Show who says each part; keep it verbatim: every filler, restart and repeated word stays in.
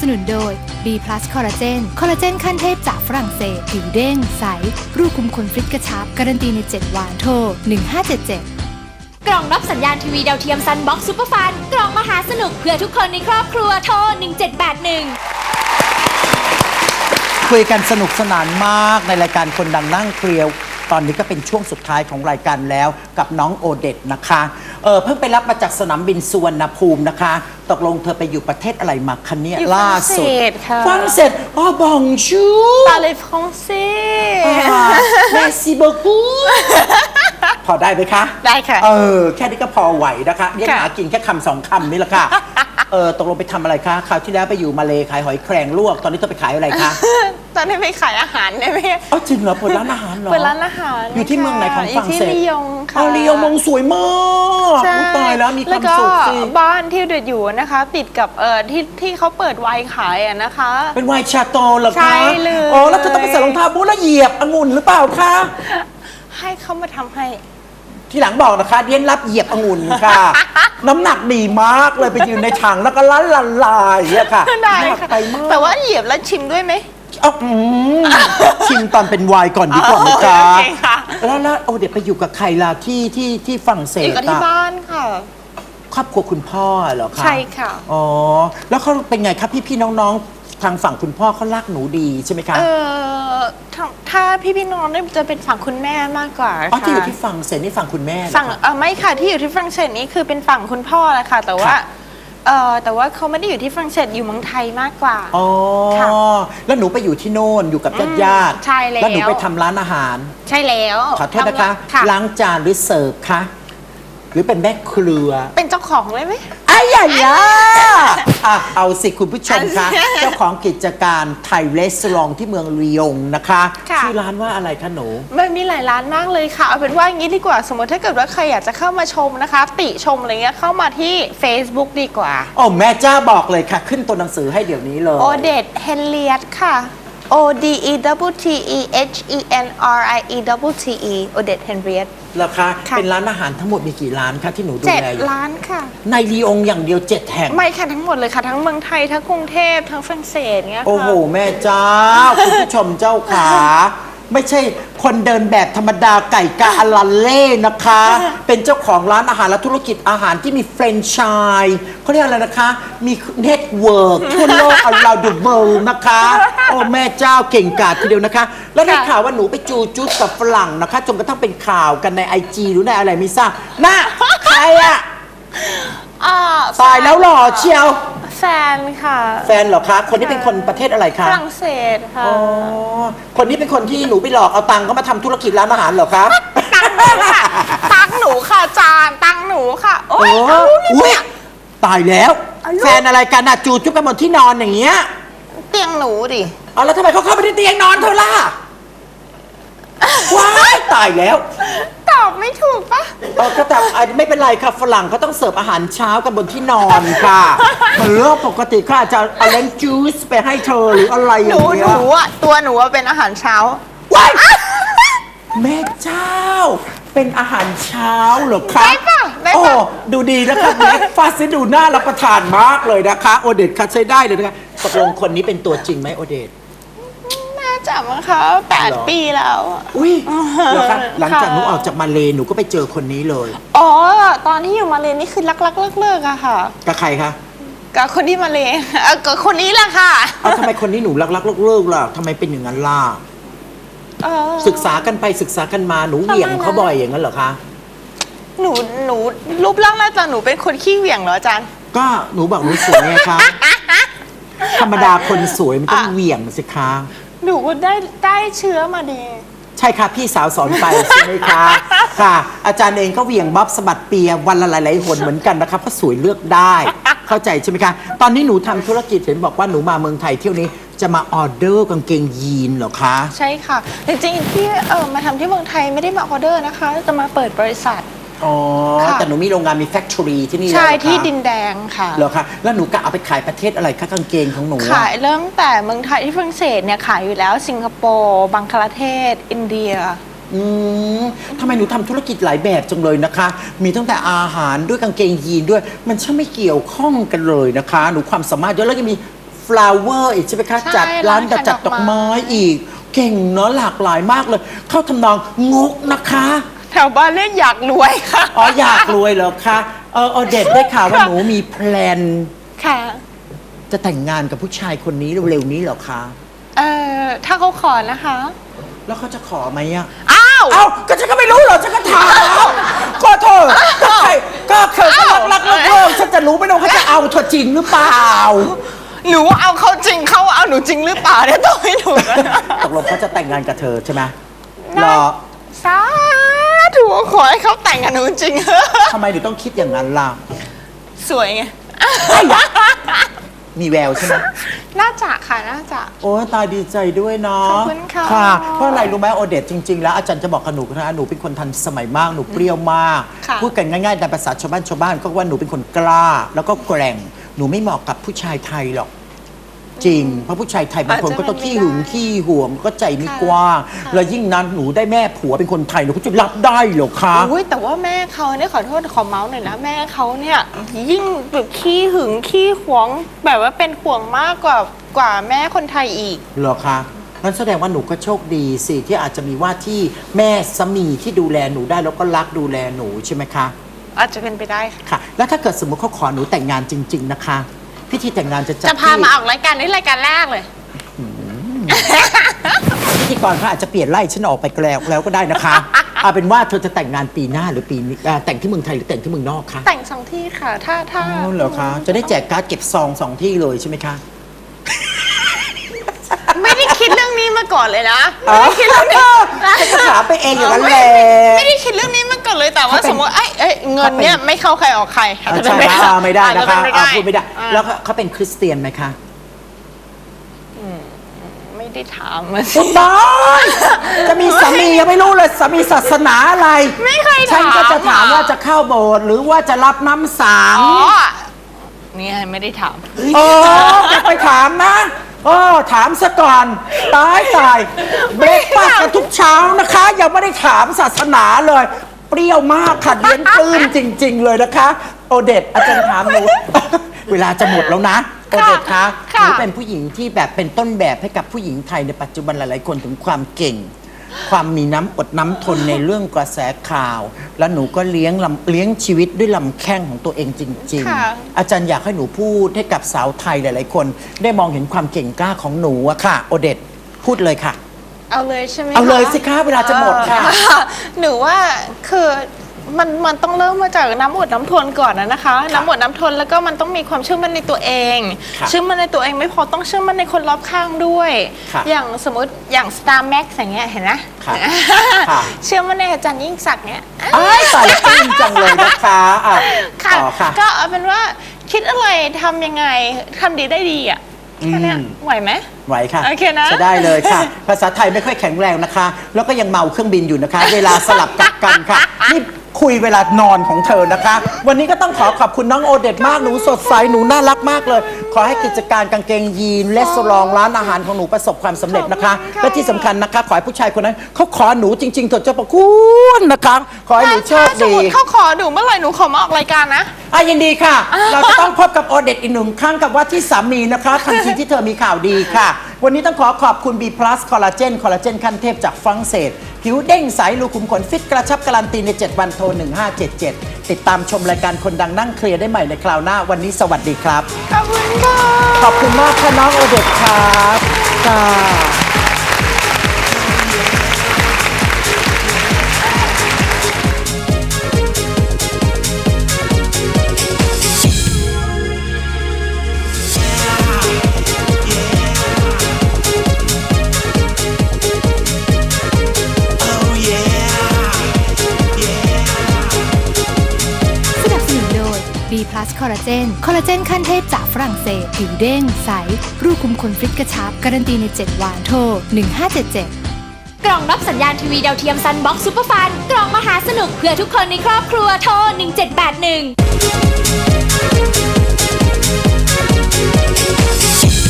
Speaker 1: สนุนโดย B+ คอลลาเจน คอลลาเจนขั้นเทพจากฝรั่งเศสผิวเด้งใสรูปคุมขนฟิตกระชับการันตีในเจ็ดวันโทรหนึ่งห้าเจ็ดเจ็ด
Speaker 2: กล่องรับสัญญาณทีวีดาวเทียมซันบ็อกซ์ซูเปอร์ฟันกล่องมหาสนุกเพื่อทุกคนในครอบครัวโทรหนึ่งเจ็ดแปดหนึ่ง
Speaker 3: คุยกันสนุกสนานมากในรายการคนดังนั่งเคลียร์ตอนนี้ก็เป็นช่วงสุดท้ายของรายการแล้วกับน้องโอเดตนะคะเออเพิ่งไปรับมาจากสนามบินสุวรรณภูมินะคะตกลงเธอไปอยู่ประเทศอะไรมาคะเนี่ยล่าสุดฝรั่งเศสอ๋อบองชู
Speaker 4: Parlez français
Speaker 3: Merci beaucoup พอได้ไหมคะ
Speaker 4: ได้ค่ะ
Speaker 3: เออแค่นี้ก็พอไหวนะคะเรียกหากินแค่คำสองคำนี่แหละค่ะเออตกลงไปทำอะไรคะคราวที่แล้วไปอยู่มาเลขายหอยแครงลวกตอนนี้เธอไปขายอะไรคะ
Speaker 4: ตอนนี้ไปขายอาหารได้ไหม
Speaker 3: อ๋อจริงเหรอเปิดร้านอาหารเหรอ
Speaker 4: เปิดร้านอาหาร
Speaker 3: อยู่ที่เมืองไหนของฝรั่งเศส
Speaker 4: อยู่ที่ลียงค่ะ
Speaker 3: อ๋อลียงมงสวยมากตายแล้วมีความสุขสิ
Speaker 4: บ้านที่เดือดอยู่นะคะติดกับเอ่อที่ที่เขาเปิดไวน์ขายอะนะคะ
Speaker 3: เป็นไวน์ชาโตเหรอคะ
Speaker 4: ใช่เลย
Speaker 3: อ๋อแล้วเธอต้องไปใส่รองเท้าบูทแล้วเหยียบองุ่นหรือเปล่าคะ
Speaker 4: ให้เขามาทำให้
Speaker 3: ทีหลังบอกนะคะเดียนรับเหยียบองุ่นค่ะน้ำหนักดีมากเลยไปยืนในถังแล้วก็ละละลายเนี่ยค่ะ
Speaker 4: ได้ค่ะแต่ว่าเหยียบแล้วชิมด้วยไหม
Speaker 3: อ๋อชิมตอนเป็นไวน์ก่อนดีกว่าไหมจ๊ะแล้วแล้วโอ้เดี๋ยวไปอยู่กับใครล่ะที่ที่ที่ฝรั่งเศส
Speaker 4: อยู่กับที่บ้านค่ะ
Speaker 3: ครอบครัวคุณพ่อเหรอคะ
Speaker 4: ใช่ค่ะ
Speaker 3: อ๋อแล้วเขาเป็นไงครับพี่พี่น้องๆทางฝั่งคุณพ่อเขารักหนูดีใช่ไหมคะ
Speaker 4: เออถ้าพี่พี่น้องเนี่ยจะเป็นฝั่งคุณแม่มากกว่า
Speaker 3: อ๋อที่อยู่ที่ฝรั่งเศสนี่ฝั่งคุณแม่
Speaker 4: ฝั่งเออไม่ค่ะที่อยู่ที่ฝรั่งเศสนี่คือเป็นฝั่งคุณพ่อแหละค่ะแต่ว่าเออแต่ว่าเขาไม่ได้อยู่ที่ฝรั่งเศสอยู่เมืองไทยมากกว่า
Speaker 3: อ๋อแล้วหนูไปอยู่ที่โน่นอยู่กับญาติญาติ
Speaker 4: ใช่แล้ว
Speaker 3: แล้วหนูไปทำร้านอาหาร
Speaker 4: ใช่แล้ว
Speaker 3: ขอโทษนะคะล้างจานหรือเสิร์ฟคะหรือเป็นแม่ครัว
Speaker 4: เป็นเจ้าของเลยไหม
Speaker 3: ไอ้ใหญ่ยะอ่ะเอาสิคุณผู้ชมคะเจ้าของกิจการไทยรีสอร์ทที่เมืองลียงนะคะชื่อร้านว่าอะไรคะหนู
Speaker 4: มันมีหลายร้านมากเลยค่ะเอาเป็นว่าอย่างนี้ดีกว่าสมมติถ้าเกิดว่าใครอยากจะเข้ามาชมนะคะติชมอะไรเงี้ยเข้ามาที่ Facebook ดีกว่า
Speaker 3: โอ้แม่จ้าบอกเลยค่ะขึ้นตัวหนังสือให้เดี๋ยวนี้เลย
Speaker 4: โอเดตเฮนเลียตค่ะ O D E W T E H E N R I E W T E โอเดตเฮนเลียต
Speaker 3: แล้วคะเป็นร้านอาหารทั้งหมดมีกี่ร้านคะที่หนูดูแลอยู่
Speaker 4: เจ็ดร้านค่ะ
Speaker 3: ในลียงอย่างเดียวเจ็ดแห่ง
Speaker 4: ไม่ค่ะทั้งหมดเลยค่ะทั้งเมืองไทยทั้งกรุงเทพทั้งฝรั่งเศสเงี้ยค่ะ
Speaker 3: โอ้โหแม่เจ้าคุณผู้ชมเจ้าขาไม่ใช่คนเดินแบบธรรมดาไก่กาอลันเล่นะคะเป็นเจ้าของร้านอาหารและธุรกิจอาหารที่มีแฟรนไชส์เขาเรียกอะไรนะคะมีเน็ตเวิร์กทั่วโลก around the world นะคะโอ้แม่เจ้าเก่งกาจทีเดียวนะคะแล้วได้ข่าวว่าหนูไปจูจุดกับฝรั่งนะคะจนกระทั่งเป็นข่าวกันในไอจีหรือในอะไรไม่ทราบน่ะใครอะตายแล้วหล่อเชียว
Speaker 4: แฟนค่ะ
Speaker 3: แฟนเหรอคะคนนี้เป็นคนประเทศอะไรคะ
Speaker 4: ฝรั่งเศสค่ะ
Speaker 3: อ๋อคนนี้เป็นคนที่หนูไปหลอกเอาตังค์เขามาทำธุรกิจร้านอาหารเหรอคะ
Speaker 4: ตังหนูค่ะตังหนูค่ะจานตังหนูค่ะโอ้ย
Speaker 3: อุ้ยตายแล้วแฟนอะไรกันน่ะจูจุ๊บกันบนที่นอนอย่างเงี้ย
Speaker 4: เตียงหนูดิ
Speaker 3: อ๋อแล้วทำไมเขาเข้าไปในเตียงนอนเธอล่ะว้ายตายแล้ว
Speaker 4: ตอบไม่ถูกปะ
Speaker 3: เออก็แต่ไม่เป็นไรค่ะฝรั่งเขาต้องเสิร์ฟอาหารเช้ากันบนที่นอนค่ะมันเรื่องปกติค่ะจะเอาเลนจูสไปให้เธอหรืออะไรอย่างเงี้ย
Speaker 4: หนูหนูอ่ะตัวหนูเป็นอาหารเช้า
Speaker 3: ว้ายแม่เจ้าเป็นอาหารเช้าเหรอคะ
Speaker 4: ได้ปะได้ปะ
Speaker 3: โอ้ดูดีนะคะเล็กฟาซิดูน่ารับประทานมากเลยนะคะโอเดตคัดใช้ได้เลยนะคะตกลงคนนี้เป็นตัวจริงไหมโอเดต
Speaker 4: น่าจะมั้งคะแปดปีแล้ว
Speaker 3: อุ้ยแล้วคะหลังจากหนูออกจากมาเลหนูก็ไปเจอคนนี้เลย
Speaker 4: อ๋อตอนที่อยู่มาเลนี่คือรักรักเลิกเลิกอะค่ะ
Speaker 3: กับใครคะ
Speaker 4: กับคนที่มาเลกับคนนี้แหละค่ะ
Speaker 3: เอาทำไมคนนี้หนูรักรักเลิกเลิกล่ะทำไมเป็นอย่างนั้นล่ะศึกษากันไปศึกษากันมาหนูเหวี่ยงเขาบ่อยอย่างนั้นเหรอคะ
Speaker 4: หนูหนูรูปร่างหน้าตาหนูเป็นคนขี้เหวี่ยงเหรออาจารย์
Speaker 3: ก็หนูบอกหนูสวยไงคะธรรมดาคนสวยมันต้องเหวี่ยงสิคะ
Speaker 4: หนูก็ได้ได้เชื้อมาดี
Speaker 3: ใช่ค่ะพี่สาวสอนไปใช่ไหมคะค่ะอาจารย์เองก็เหวี่ยงบ๊อบสะบัดเปียวันละหลายๆหนเหมือนกันนะคะเพราะสวยเลือกได้เข้าใจใช่ไหมคะตอนนี้หนูทำธุรกิจเห็นบอกว่าหนูมาเมืองไทยเที่ยวนี้จะมาออเดอร์กางเกงยีนเหรอคะ
Speaker 4: ใช่ค่ะจริงๆที่เออมาทำที่เมืองไทยไม่ได้มาออเดอร์นะคะจะมาเปิดบริษัท
Speaker 3: อ๋อแต่หนูมีโรงงานมีแฟคทอรี่ที่นี่
Speaker 4: ใช่ที่ดินแดงค่ะ
Speaker 3: เหรอคะแล้วหนูกะเอาไปขายประเทศอะไรคะกางเกงของหนู
Speaker 4: ขายเริ่มแต่เมืองไทยที่ฝรั่งเศสเนี่ยขายอยู่แล้วสิงคโปร์บังคลาเทศอินเดีย
Speaker 3: อืมทำไมหนูทำธุรกิจหลายแบบจังเลยนะคะมีตั้งแต่อาหารด้วยกางเกงยีนด้วยมันช่างไม่เกี่ยวข้องกันเลยนะคะหนูความสามารถเยอะแล้วยังมีแฟ flower อีกใช่ไหมคะ
Speaker 4: ใช่
Speaker 3: จัดร้าน
Speaker 4: ร้านขาย
Speaker 3: จัดดอกไม้
Speaker 4: ดอกไม้
Speaker 3: อีก เก่งเนาะหลากหลายมากเลย เข้าทำนองงกนะคะ
Speaker 4: แถวบ้านเรียกอยากรวยค่ะ
Speaker 3: อ๋ออยากรวยเหรอคะเออเออเด็ดได้ข่าวว่าหนูมีแพลน
Speaker 4: ค่ะ
Speaker 3: จะแต่งงานกับผู้ชายคนนี้เร็วๆนี้เหรอคะ
Speaker 4: เอ่อถ้าเขาขอนะคะ
Speaker 3: แล้วเขาจะขอไหมอะ
Speaker 4: อ้าว
Speaker 3: เอ้าก็ฉันก็ไม่รู้เหรอฉันก็ถามก็เธอก็ใครก็เธอก็รักรักเลิกเลิกฉันจะรู้ไหมว่าเขาจะเอาเธอจริงหรือเปล่า
Speaker 4: หนูเอาเขาจริงเขาเอาหนูจริงหรือเปล่าเนี่ยต้องให้หนูนะ
Speaker 3: ตกลงเขาจะแต่งงานกับเธอใช่ไหมรอ
Speaker 4: สาธุขอให้เขาแต่งกับหนูจริง
Speaker 3: ทำไมถึงต้องคิดอย่างนั้นล่ะ
Speaker 4: สวยไง
Speaker 3: มีแววใช่ไหม
Speaker 4: น่าจะค่ะน่าจะ
Speaker 3: โอ้ยตายดีใจด้วยเนาะ
Speaker 4: ขอบคุณค่ะ
Speaker 3: ค่ะ เพราะอะไรรู้ไหมโอเดตจริง ๆ แล้วอาจารย์จะบอกกับหนูนะหนูเป็นคนทันสมัยมากหนูเปรี้ยวมาก
Speaker 4: ค่ะ
Speaker 3: พูดกันง่ายๆในภาษาชาวบ้านชาวบ้านก็ว่าหนูเป็นคนกล้า แล้วก็แกร่งหนูไม่เหมาะกับผู้ชายไทยหรอก จริง เพราะผู้ชายไทยบางคนก็ต้องขี้หึงขี้ห่วงก็ใจไม่กว้างแล้วยิ่งนั้นหนูได้แม่ผัวเป็นคนไทยหนูก็จะรับได้เหรอคะ
Speaker 4: อุ้ยแต่ว่าแม่เขาเนี่ยขอโทษขอเมาส์หน่อยนะแม่เขาเนี่ยยิ่งแบบขี้หึงขี้หวงแบบว่าเป็นห่วงมากกว่ากว่าแม่คนไทยอีก
Speaker 3: เหรอคะนั่นแสดงว่าหนูก็โชคดีสิที่อาจจะมีว่าที่แม่สามีที่ดูแลหนูได้แล้วก็รักดูแลหนูใช่ไหมคะ
Speaker 4: อาจจะเป็นไปได้ค่ะ
Speaker 3: ค่ะ แล้วถ้าเกิดสมมติเขาขอหนูแต่งงานจริง ๆนะคะ พิธีแต่งงานจะจัด
Speaker 4: จะพา
Speaker 3: ที่
Speaker 4: มาออกรายการนี้รายการแรกเลย
Speaker 3: พิธีกรเขาอาจจะเปลี่ยนไล่ฉันออกไปแล้วแล้วก็ได้นะคะ เอาเป็นว่าเธอจะแต่งงานปีหน้าหรือปีนี้อ่าแต่งที่เมืองไทยหรือแต่งที่เมืองนอกคะ
Speaker 4: แต่งสองที่ค่ะ ถ้าถ้า
Speaker 3: อ๋อเหรอคะจะได้แจกการ์ดเก็บซองสองที่เลยใช่ไหมคะ
Speaker 4: ไม่ได้คิดเรื่องนี้มาก่อนเลยนะ
Speaker 3: อ๋อ
Speaker 4: ไม่ได้คิดเรื่องนี้
Speaker 3: ฉันก็ถามไปเองอย่างนั้นแหละ
Speaker 4: ไม่ได้คิดเรื่องนี้มาก่อนเลยแต่ว่า
Speaker 3: เขาเป็น
Speaker 4: สมมติไอ้เอ้ยเงินเนี่ยไม่เข้าใครออกใครอาจจะ
Speaker 3: ใช่
Speaker 4: เป็น
Speaker 3: อ่าไม่ได้
Speaker 4: อาจ
Speaker 3: นะ
Speaker 4: จะเป็
Speaker 3: คะ
Speaker 4: ป
Speaker 3: อ่าพูดไม่ได้
Speaker 4: อ่า
Speaker 3: แล้วเขาเป็นคริสเตียนไหมคะ
Speaker 4: ไม่ได้ถามมาสิ
Speaker 3: คุณบอยจะมีสามียังไม่รู้เลยสามีศาสนาอะไร
Speaker 4: ไม่เคยถาม
Speaker 3: ฉันก็จะถาม
Speaker 4: อ่ะ
Speaker 3: ว่าจะเข้าโบสถ์หรือว่าจะรับน้ำสัง
Speaker 4: อ๋อนี่ไงไม่ได้ถาม
Speaker 3: โอ้จะไปถามนะโอ้ถามซะก่อนตายตายเบรกฟาสต์กันทุกเช้านะคะ ยังไม่ได้ถามศาสนาเลย เปรี้ยวมากค่ะเลี้ยงปลื้มจริง ๆ เลยนะคะ โอเดตอาจารย์ถามหนู เวลาจะหมดแล้วนะโอเดตคะห
Speaker 4: ค่ะ
Speaker 3: นูเป็นผู้หญิงที่แบบเป็นต้นแบบให้กับผู้หญิงไทยในปัจจุบันหลายๆคนถึงความเก่ง ความมีน้ำอดน้ำทนในเรื่องกระแสข่าว แล้วหนูก็เลี้ยงลำเลี้ยงชีวิตด้วยลำแข้งของตัวเองจริง
Speaker 4: ค่ะ
Speaker 3: ๆ อาจารย์อยากให้หนูพูดให้กับสาวไทยหลาย ๆ คน ได้มองเห็นความเก่งกล้าของหนูอะค่ะ โอเดตพูดเลยค่ะ
Speaker 4: เอาเลยใช่ไหม
Speaker 3: เอาเลยสิคะเวลาจะหมดค่ะ
Speaker 4: เออหนูว่าคือมันมันต้องเริ่มมาจากน้ำอดน้ำทนก่อนนะนะคะ น้ำอดน้ำทนแล้วก็มันต้องมีความเชื่อมั่นในตัวเอง
Speaker 3: ค่ะ
Speaker 4: เชื่อมั่นในตัวเองไม่พอต้องเชื่อมั่นในคนรอบข้างด้วย
Speaker 3: ค่ะ
Speaker 4: อย่างสมมติอย่าง Star Max อย่างเงี้ยเห็นไหม
Speaker 3: ค่ะค่ะ
Speaker 4: เชื่อมั่นในอาจารย์ยิ่งศักดิ์เนี่ย
Speaker 3: อ้ายตายแล้วปลื้มจังเลยนะคะอ่ะ
Speaker 4: ค่ะ
Speaker 3: ต่อค่ะ
Speaker 4: ก็เอาเป็นว่าคิดอะไรทำยังไงทำดีได้ดีอ่ะแค่เนี้ย
Speaker 3: อืม
Speaker 4: ไหวไหม
Speaker 3: ไหวค่ะ
Speaker 4: โอเคนะ
Speaker 3: จะได้เลยค่ะ ภาษาไทยไม่ค่อยแข็งแรงนะคะ แล้วก็ยังเมาเครื่องบินอยู่นะคะ เวลาสลับกลับกันค่ะ นี่คุยเวลานอนของเธอนะคะ วันนี้ก็ต้องขอขอบคุณน้องโอเดตมาก หนูสดใส หนูน่ารักมากเลย ขอให้กิจการกางเกงยีนและสลองร้านอาหารของหนูประสบความสำเร็จนะคะ และที่สำคัญนะคะ ขอให้ผู้ชายคนนั้นเขาขอหนูจริงๆเถอะเจ้าประคุณนะคะ ขอให้หนูโชค
Speaker 4: ถ้าสม
Speaker 3: ดี
Speaker 4: มติเขาขอหนูเมื่อไหร่หนูขอมาออกรายการนะ
Speaker 3: อ่ะยินดีค่ะ เราจะต้องพบกับโอเดตอีกหนึ่งครั้งกับว่าที่สามีนะคะ ทันทีที่เธอมีข่าวดีค่ะ วันนี้ต้องขอขอบคุณ B+ คอลลาเจนคอลลาเจนขั้นเทพจากฝรั่งเศส ผิวเด้งใสรูขุมขนฟิตกระชับการันตีใน เจ็ด วันโทร หนึ่งห้าเจ็ดเจ็ด ติดตามชมรายการคนดังนั่งเคลียร์ได้ใหม่ในคราวหน้า วันนี้สวัสดีครับ
Speaker 4: ขอบคุณค่ะ
Speaker 3: ขอบคุณมากค่ะน้องโอเดตครับค่ะ
Speaker 1: สนับสนุนโดย B+ คอลลาเจนคอลลาเจนขั้นเทพจากฝรั่งเศส ผิวเด้งใส รูขุมขนฟิตกระชับ การันตีใน เจ็ด วันโทร หนึ่งห้าเจ็ดเจ็ด
Speaker 2: กล่องรับสัญญาณทีวีดาวเทียมซันบ็อกซ์ซูเปอร์ฟันกล่องมหาสนุกเพื่อทุกคนในครอบครัวโทรหนึ่งเจ็ดแปดหนึ่ง